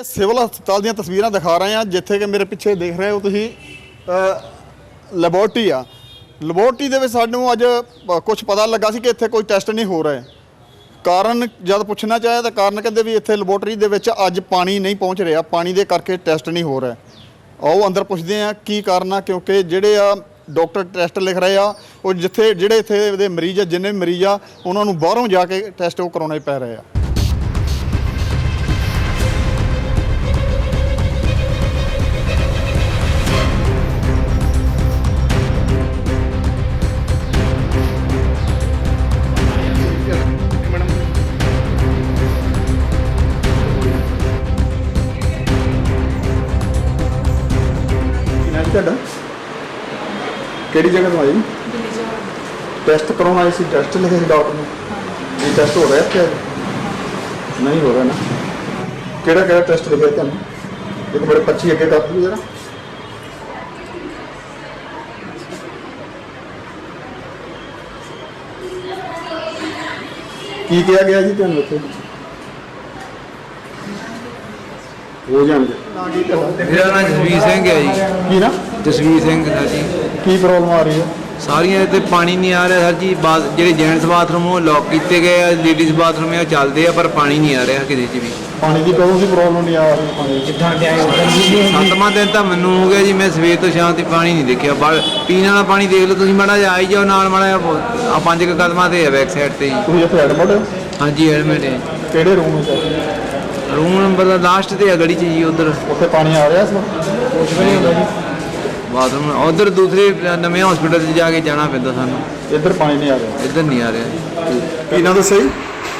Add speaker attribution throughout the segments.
Speaker 1: Civil ਹਸਪਤਾਲ ਦੀਆਂ ਤਸਵੀਰਾਂ ਦਿਖਾ ਰਹੇ ਹਾਂ ਜਿੱਥੇ ਕਿ ਮੇਰੇ ਪਿੱਛੇ ਦੇਖ ਰਹੇ ਹੋ ਤੁਸੀਂ ਲੈਬੋਰਟਰੀ ਆ। ਲੈਬੋਰਟਰੀ ਦੇ ਵਿੱਚ ਸਾਨੂੰ ਅੱਜ ਕੁਝ ਪਤਾ ਲੱਗਾ ਸੀ ਕਿ ਇੱਥੇ ਕੋਈ ਟੈਸਟ ਨਹੀਂ ਹੋ ਰਿਹਾ। ਕਾਰਨ ਜਦ ਪੁੱਛਣਾ ਚਾਹਿਆ ਤਾਂ ਕਾਰਨ ਕਹਿੰਦੇ ਵੀ ਇੱਥੇ ਲੈਬੋਰਟਰੀ ਦੇ ਵਿੱਚ ਅੱਜ ਪਾਣੀ ਨਹੀਂ ਪਹੁੰਚ ਰਿਹਾ, ਪਾਣੀ ਦੇ ਕਰਕੇ ਟੈਸਟ ਨਹੀਂ ਹੋ ਰਿਹਾ। ਆਓ ਅੰਦਰ ਪੁੱਛਦੇ ਹਾਂ ਕੀ ਕਾਰਨ ਆ, ਕਿਉਂਕਿ ਜਿਹੜੇ ਆ ਡਾਕਟਰ ਟੈਸਟ ਲਿਖ ਰਹੇ ਆ ਉਹ ਜਿਹੜੇ ਇੱਥੇ ਦੇ ਮਰੀਜ਼ ਆ, ਜਿੰਨੇ ਮਰੀਜ਼ ਆ ਉਹਨਾਂ ਨੂੰ ਬਾਹਰੋਂ ਜਾ ਕੇ ਟੈਸਟ ਉਹ ਕਰਾਉਣੇ ਪੈ ਰਹੇ ਆ। ਤੁਹਾਡਾ ਕਿਹੜੀ ਜਗ੍ਹਾ ਤੋਂ ਆਏ? ਟੈਸਟ ਕਰਾਉਣ ਆਏ ਸੀ। ਟੈਸਟ ਲਿਖੇ ਸੀ ਡਾਕਟਰ ਨੇ। ਇਹ ਟੈਸਟ ਹੋ ਰਿਹਾ ਇੱਥੇ? ਨਹੀਂ ਹੋ ਰਿਹਾ ਨਾ। ਕਿਹੜਾ ਕਿਹੜਾ ਟੈਸਟ ਲਿਖਿਆ ਤੁਹਾਨੂੰ? ਇੱਕ ਮੇਰੇ ਪੱਛੀ ਅੱਗੇ ਕਰ ਦਿਓ ਜਰਾ। ਕੀ ਕਿਹਾ ਗਿਆ ਜੀ ਤੁਹਾਨੂੰ ਉੱਥੇ? ਹੋ ਜਾਣਗੇ।
Speaker 2: ਮੇਰਾ ਨਾਮ ਜਸਵੀਰ ਸਿੰਘ ਹੈ ਜੀ।
Speaker 1: ਕੀ ਨਾ?
Speaker 2: ਜਸਵੀਰ ਸਿੰਘ ਸਰ ਜੀ।
Speaker 1: ਕੀ ਪ੍ਰੋਬਲਮ ਆ ਰਹੀ ਹੈ?
Speaker 2: ਸਾਰੀਆਂ ਇੱਥੇ ਪਾਣੀ ਨਹੀਂ ਆ ਰਿਹਾ ਸਰ ਜੀ। ਜਿਹੜੇ ਜੈਂਟਸ ਬਾਥਰੂਮ ਉਹ ਲੌਕ ਕੀਤੇ ਗਏ ਆ, ਲੇਡੀਜ਼ ਬਾਥਰੂਮ ਉਹ ਚੱਲਦੇ ਆ, ਪਰ ਪਾਣੀ ਨਹੀਂ ਆ ਰਿਹਾ ਕਿਸੇ 'ਚ ਵੀ।
Speaker 1: ਪਾਣੀ ਦੀ ਕਦੋਂ ਦੀ ਪ੍ਰੋਬਲਮ ਨਹੀਂ ਆ ਰਹੀ? ਪਾਣੀ ਕਿੱਦਾਂ ਦੇ ਆਏ?
Speaker 2: 7ਵਾਂ ਦਿਨ ਤਾਂ ਮੈਨੂੰ ਹੋ ਗਿਆ ਜੀ। ਮੈਂ ਸਵੇਰ ਤੋਂ ਸ਼ਾਮ ਤੱਕ ਪਾਣੀ ਨਹੀਂ ਦੇਖਿਆ। ਪੀਣ ਵਾਲਾ ਪਾਣੀ ਦੇਖ ਲਓ ਤੁਸੀਂ, ਮਾੜਾ ਜਿਹਾ ਆਈ ਜਾਓ ਨਾਲ, ਮਾੜਾ ਆ 5 ਕਦਮਾਂ ਤੇ ਹੈ ਬੈਕ ਸਾਈਡ ਤੇ ਜੀ।
Speaker 1: ਤੁਸੀਂ ਇੱਥੇ ਐਡਮਿਟ ਹੋ?
Speaker 2: ਹਾਂਜੀ ਐਡਮਿਟ ਹੈ।
Speaker 1: ਕਿਹੜੇ ਰੂਮ ਵਿੱਚ?
Speaker 2: ਰੂਮ ਨੰਬਰ ਦਾ ਲਾਸਟ ਤੇ ਆ ਗਲੀ 'ਚ ਜੀ। ਉੱਧਰ
Speaker 1: ਉੱਥੇ ਪਾਣੀ ਆ ਰਿਹਾ ਇਸ ਵਕਤ? ਕੁਝ ਵੀ ਨਹੀਂ ਹੁੰਦਾ ਜੀ।
Speaker 2: ਬਾਥਰੂਮ ਉੱਧਰ ਦੂਸਰੇ ਨਵੇਂ ਹਸਪੀਟਲ 'ਚ ਜਾ ਕੇ ਜਾਣਾ ਪੈਂਦਾ ਸਾਨੂੰ।
Speaker 1: ਇੱਧਰ ਪਾਣੀ ਨਹੀਂ ਆ ਰਿਹਾ?
Speaker 2: ਇੱਧਰ ਨਹੀਂ ਆ ਰਿਹਾ।
Speaker 1: ਕੀ ਨਾਮ ਦੱਸਿਆ ਜੀ?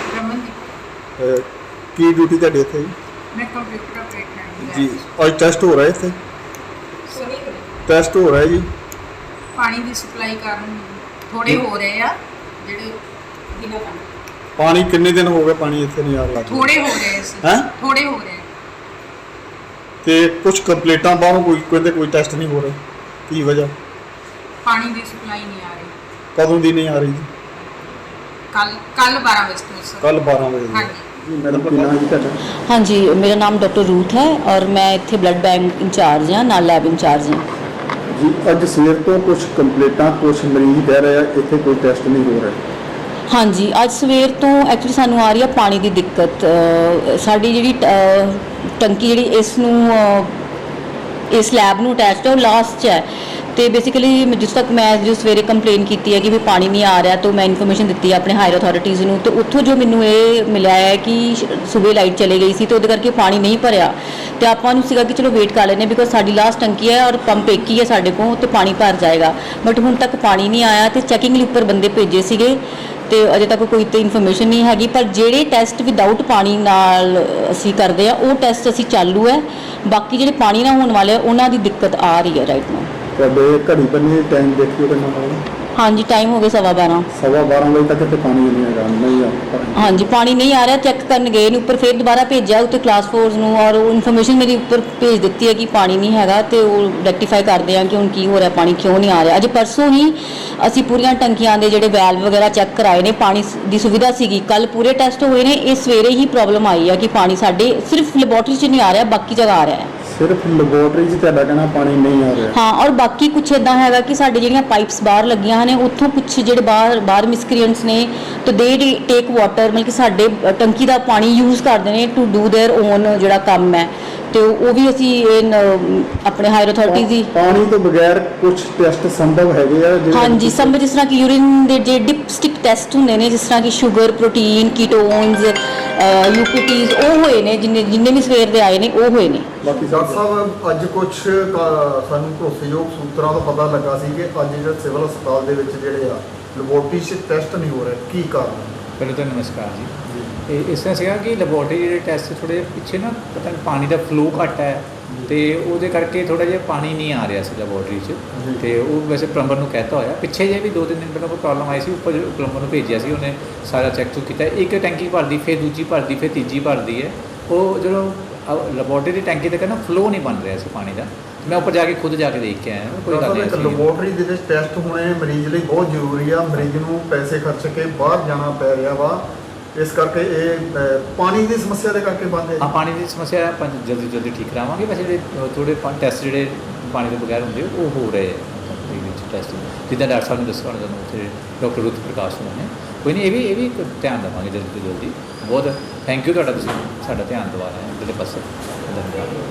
Speaker 1: ਕੀ ਡਿਊਟੀ ਤੁਹਾਡੀ ਇੱਥੇ ਜੀ?
Speaker 3: ਮੈਂ ਕੰਪਿਊਟਰ ਆਪਰੇਟਰ
Speaker 1: ਜੀ ਅੱਜ ਟੈਸਟ ਹੋ ਰਿਹਾ ਇੱਥੇ? ਟੈਸਟ ਹੋ ਰਿਹਾ ਜੀ।
Speaker 3: ਪਾਣੀ ਦੀ ਸਪਲਾਈ ਕਾਰਨ ਥੋੜੇ ਹੋ ਰਹੇ ਆ ਜਿਹੜੇ ਬਿਨਾਂ
Speaker 1: ਪਾਣੀ ਕਿੰਨੇ ਦਿਨ ਹੋ ਗਏ ਪਾਣੀ ਇੱਥੇ ਨਹੀਂ ਆ ਰਿਹਾ?
Speaker 3: ਥੋੜੇ ਹੋ ਰਹੇ ਸੀ।
Speaker 1: ਹੈਂ?
Speaker 3: ਥੋੜੇ ਹੋ ਰਹੇ।
Speaker 1: ਤੇ ਕੁਝ ਕੰਪਲੀਟਾਂ ਬਾਹਰੋਂ ਕੋਈ ਕਹਿੰਦੇ ਕੋਈ ਟੈਸਟ ਨਹੀਂ ਹੋ ਰਿਹਾ। ਕੀ ਵਜ੍ਹਾ?
Speaker 3: ਪਾਣੀ ਦੀ ਸਪਲਾਈ ਨਹੀਂ ਆ ਰਹੀ।
Speaker 1: ਕਦੋਂ ਦੀ ਨਹੀਂ ਆ ਰਹੀ ਜੀ?
Speaker 3: ਕੱਲ 12 ਵਜੇ ਤੋਂ ਸਰ।
Speaker 1: ਕੱਲ 12 ਵਜੇ ਦੀ।
Speaker 3: ਹਾਂਜੀ
Speaker 1: ਮੈਡਮ ਕੀ ਨਾਮ ਜੀ ਤੁਹਾਡਾ?
Speaker 4: हाँ जी, मेरा नाम डॉक्टर रूथ है और मैं इत्थे ब्लड बैंक इंचार्ज हाँ, नाल लैब इंचार्ज हाँ
Speaker 1: ਜੀ। ਅੱਜ ਸਵੇਰ ਤੋਂ ਕੁਝ ਕੰਪਲੀਟਾਂ ਕੁਝ ਮਰੀਜ਼ ਕਹਿ ਰਹੇ ਆ ਇੱਥੇ ਕੋਈ ਟੈਸਟ ਨਹੀਂ ਹੋ ਰਿਹਾ।
Speaker 4: हाँ जी, अज सवेर तो एक्चुअली सानू आ रही है पानी की दिक्कत। साड़ी जी टंकी जी इस लैब नूं अटैच्ड है वो लास्ट च है। तो बेसिकली जिस तक मैं जो सवेरे कंप्लेन की है कि भी पानी नहीं आ रहा, तो मैं इन्फॉर्मेशन दी है अपने हायर अथॉरिटीज़ नूं। तो उत्थों जो मैनू ये मिला है कि सुबह लाइट चली गई सी तो उहदे करके पानी नहीं भरिया। तो आपां नूं सीगा कि चलो वेट कर लेने बिकॉज साडी लास्ट टंकी है और पंप एक ही है साडे कोल, तो पानी भर जाएगा। बट हुण तक पानी नहीं आया। तो चैकिंग लई उपर बंदे भेजे सीगे तो अजे तक कोई तो इन्फॉर्मेशन नहीं हैगी। पर ਜਿਹੜੇ ਟੈਸਟ ਵਿਦਆਊਟ ਪਾਣੀ ਨਾਲ ਅਸੀਂ ਕਰਦੇ ਆ ਉਹ ਟੈਸਟ ਅਸੀਂ ਚਾਲੂ ਹੈ। ਬਾਕੀ ਜਿਹੜੇ ਪਾਣੀ ਨਾਲ ਹੋਣ ਵਾਲੇ ਉਹਨਾਂ ਦੀ ਦਿੱਕਤ ਆ ਰਹੀ ਹੈ ਰਾਈਟ ਨਾਓ।
Speaker 1: ਤੁਹਾਡੇ ਘੜੀ ਬੰਨੇ ਟਾਈਮ ਦੇਖਿਓ ਕਿੰਨਾ ਹੋਣਾ?
Speaker 4: हाँ जी, टाइम हो गया 12:15।
Speaker 1: 12:15 ਵਜੇ ਤੱਕ ਇੱਥੇ ਪਾਣੀ ਨਹੀਂ ਆਏਗਾ? नहीं आ रहा।
Speaker 4: हाँ जी, पानी नहीं आ रहा। चैक करन गए ने उपर, फिर दोबारा भेजा उत्ते क्लास फोर्स नूं और इन्फॉर्मेशन मेरी उपर भेज दी है कि पानी नहीं हैगा। तो रैक्टिफाई करते हैं कि हुण की हो रहा, पानी क्यों नहीं आ रहा। अज परसों ही असी पूरियां टंकियां दे जिहड़े वैल्व वगैरह चैक कराए ने, पानी की सुविधा सीगी। कल पूरे टैसट होए ने। इस सवेरे ही प्रॉब्लम आई है कि पानी साडे सिर्फ लैबोरेटरी च नहीं आ रहा, बाकी जगह आ रहा है।
Speaker 1: सिर्फ लैबोरेटरी च तुहाडा कहना पानी नहीं आ रहा?
Speaker 4: हाँ, और बाकी कुछ इदां हैगा कि साडी जिहड़ियां पाइप्स बाहर लगियां ने उत्थों कुछ जिहड़े बाहर मिसक्रीएंट्स ने तो दे टेक वाटर, मतलब कि साडे टंकी दा पानी यूज़ करदे ने टू डू देयर ओन जिहड़ा काम है। तो वो भी असी अपने हायर अथॉरिटीज़ ही
Speaker 1: पानी तो बगैर कुछ टेस्ट संभव है?
Speaker 4: हाँ जी, संभव जिस तरह कि यूरिन दे जे डिपस्टिक टेस्ट होंदे ने, जिस तरह कि शुगर, प्रोटीन, कीटोन्स, यूपीटीज वो होए ने, जिन्ने भी सवेर दे आए ने वो होए ने।
Speaker 1: बाकी डॉक्टर साहब ਅੱਜ ਕੁਝ ਸਾਨੂੰ ਭਰੋਸੇਯੋਗ ਸੂਤਰਾਂ ਤੋਂ ਪਤਾ ਲੱਗਾ ਸੀ ਕਿ ਅੱਜ ਜਿਹੜਾ ਸਿਵਲ ਹਸਪਤਾਲ ਦੇ ਵਿੱਚ ਜਿਹੜੇ ਆ ਲੈਬੋਰਟਰੀ 'ਚ ਟੈਸਟ ਨਹੀਂ ਹੋ ਰਹੇ। ਕੀ ਕਾਰਨ?
Speaker 5: ਪਹਿਲੇ ਤਾਂ ਨਮਸਕਾਰ ਜੀ। ਤੇ ਇਸ ਤਰ੍ਹਾਂ ਸੀਗਾ ਕਿ ਲੈਬੋਰਟਰੀ ਜਿਹੜੇ ਟੈਸਟ ਥੋੜ੍ਹੇ ਜਿਹੇ ਪਿੱਛੇ ਨਾ ਪਤਾ ਨਹੀਂ ਪਾਣੀ ਦਾ ਫਲੋ ਘੱਟ ਹੈ ਤੇ ਉਹਦੇ ਕਰਕੇ ਥੋੜ੍ਹਾ ਜਿਹਾ ਪਾਣੀ ਨਹੀਂ ਆ ਰਿਹਾ ਸੀ ਲੈਬੋਰਟਰੀ 'ਚ। ਤੇ ਉਹ ਵੈਸੇ ਪਲੰਬਰ ਨੂੰ ਕਹਿਤਾ ਹੋਇਆ, ਪਿੱਛੇ ਜੇ ਵੀ 2-3 ਦਿਨ ਪਹਿਲਾਂ ਕੋਈ ਪ੍ਰੋਬਲਮ ਆਈ ਸੀ, ਉੱਪਰ ਪਲੰਬਰ ਨੂੰ ਭੇਜਿਆ ਸੀ, ਉਹਨੇ ਸਾਰਾ ਚੈੱਕ ਕੀਤਾ। ਇੱਕ ਟੈਂਕੀ ਭਰਦੀ, ਫਿਰ ਦੂਜੀ ਭਰਦੀ, ਫਿਰ ਤੀਜੀ ਭਰਦੀ ਹੈ। ਉਹ ਜਦੋਂ ਲੈਬੋਰਟਰੀ ਦੀ ਟੈਂਕੀ ਤੇ ਕਹਿੰਦਾ ਫਲੋ ਨਹੀਂ ਬਣ ਰਿਹਾ ਸੀ ਪਾਣੀ ਦਾ। ਮੈਂ ਉੱਪਰ ਜਾ ਕੇ ਖੁਦ ਜਾ ਕੇ ਦੇਖ ਕੇ ਆਇਆ। ਕੋਈ ਗੱਲ ਨਹੀਂ।
Speaker 1: ਲੈਬੋਰਟਰੀ ਦੇ ਵਿੱਚ ਟੈਸਟ ਹੋਣੇ ਮਰੀਜ਼ ਲਈ ਬਹੁਤ ਜ਼ਰੂਰੀ ਆ। ਮਰੀਜ਼ ਨੂੰ ਪੈਸੇ ਖਰਚ ਕੇ ਬਾਹਰ ਜਾਣਾ ਪੈ ਰਿਹਾ ਵਾ ਇਸ ਕਰਕੇ ਇਹ ਪਾਣੀ ਦੀ ਸਮੱਸਿਆ ਦੇ ਕਰਕੇ ਬੰਦ ਹੈ
Speaker 5: ਹਾਂ, ਪਾਣੀ ਦੀ ਸਮੱਸਿਆ ਆਪਾਂ ਜਲਦੀ ਜਲਦੀ ਠੀਕ ਕਰਾਵਾਂਗੇ। ਵੈਸੇ ਜਿਹੜੇ ਥੋੜੇ ਟੈਸਟ ਜਿਹੜੇ ਪਾਣੀ ਤੋਂ ਬਗੈਰ ਹੁੰਦੇ ਉਹ ਹੋ ਰਹੇ ਆ ਦੇ ਵਿੱਚ ਟੈਸਟ, ਜਿੱਦਾਂ ਡਾਕਟਰ ਸਾਹਿਬ ਨੇ ਦੱਸਿਆ ਹੋਣਾ ਤੁਹਾਨੂੰ ਉੱਥੇ ਡਾਕਟਰ ਰੁੱਤ ਪ੍ਰਕਾਸ਼ ਹੋਣਾ ਨੇ। ਕੋਈ ਨਹੀਂ, ਇਹ ਵੀ ਧਿਆਨ ਦੇਵਾਂਗੇ ਜਲਦੀ ਤੋਂ ਜਲਦੀ। ਬਹੁਤ ਥੈਂਕ ਯੂ ਤੁਹਾਡਾ, ਤੁਸੀਂ ਸਾਡਾ ਧਿਆਨ ਦਿਵਾ ਰਹੇ ਹੋ ਇਹਦੇ ਪਾਸੇ। ਧੰਨਵਾਦ।